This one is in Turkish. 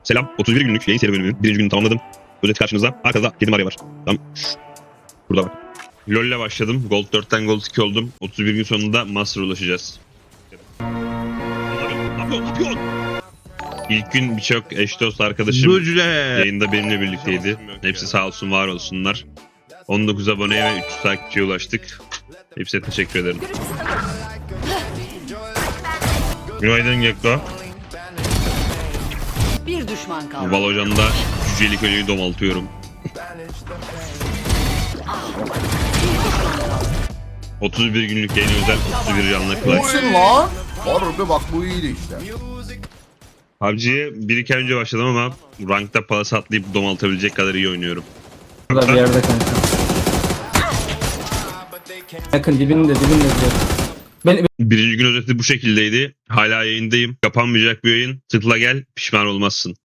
Selam. 31 günlük yayın seri bölümünün birinci gününü tamamladım. Özet karşınızda. Arkada kedi Maria var. Tamam. Burada bak. LoL'le başladım. Gold 4'ten Gold 2 oldum. 31 gün sonunda Master'a ulaşacağız. Ne yapıyorsun? İlk gün birçok eş dost arkadaşım yayında benimle birlikteydi. Hepsi sağ olsun, var olsunlar. 19 aboneye ve 300 takipçiye ulaştık. Hepsine teşekkür ederim. Günaydın Gekko. Bir düşman kaldı. Valorant'da cücelik ölüyü domaltıyorum. 31 günlük yayın özel 31 canlı clutch. Olsun lan. Harbi bak bu iyiydi işte. PUBG'ye 1-2 ay önce başladım ama rankta palas atlayıp domaltabilecek kadar iyi oynuyorum. Burada bir yerde kanka. Yakın dibinde diyor. Birinci gün özeti bu şekildeydi. Hala yayındayım. Kapanmayacak bir yayın. Tıkla gel, pişman olmazsın.